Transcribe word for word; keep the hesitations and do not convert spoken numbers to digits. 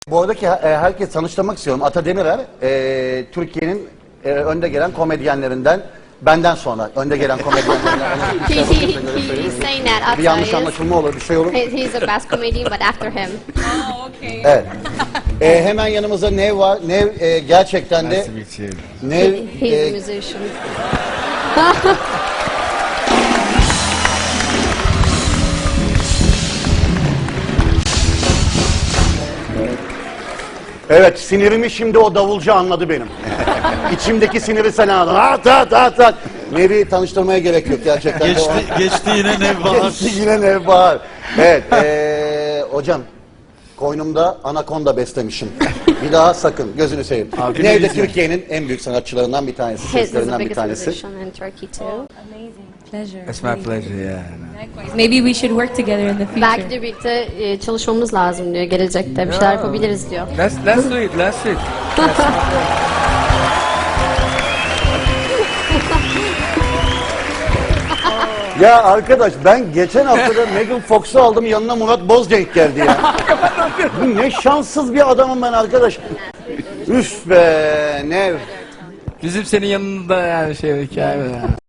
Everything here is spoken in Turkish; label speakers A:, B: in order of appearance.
A: Bu aradaki e, herkes tanıştırmak istiyorum. Ata Demirer, e, Türkiye'nin e, önde gelen komedyenlerinden, benden sonra önde gelen komedyenlerinden.
B: He, he, he, he's saying that
A: Bir
B: Ata
A: yanlış
B: is.
A: anlaşılma olur, bir şey olur.
B: He, he's the best comedian, but after him.
C: Oh, okay.
A: Evet. E, hemen yanımızda Nev var. Nev e, gerçekten de
D: Nice to meet you.
A: Nev
B: He's a
A: e,
B: musician.
A: evet, sinirimi şimdi o davulcu anladı benim. İçimdeki siniri sen anladın. At at at at. Nev'i tanıştırmaya gerek yok gerçekten. de
D: Geçti,
A: o-
D: geçti yine Nevbahar.
A: Geçti yine Nevbahar. Evet, e, hocam. Koynumda anakonda beslemişim. Bir daha sakın, gözünü seveyim.
D: Abi,
A: Nev de
D: ne
A: Türkiye'nin en büyük sanatçılarından bir tanesi,
B: He's the
A: seslerinden bir
B: biggest
A: tanesi.
B: musician in Turkey too.
C: Amazing. Pleasure.
D: It's my pleasure, yeah.
C: Likewise. Maybe we should work together in the future.
B: Belki de birlikte e, çalışmamız lazım diyor. Gelecekte bir şeyler yapabiliriz diyor.
D: Let's, let's do it, let's do it.
A: Ya arkadaş, ben geçen haftada Megan Fox'u aldım, yanına Murat Bozcenk geldi ya. Bu ne şanssız bir adamım ben arkadaş. Üf be Nev.
D: Bizim senin yanında yani şey hikaye.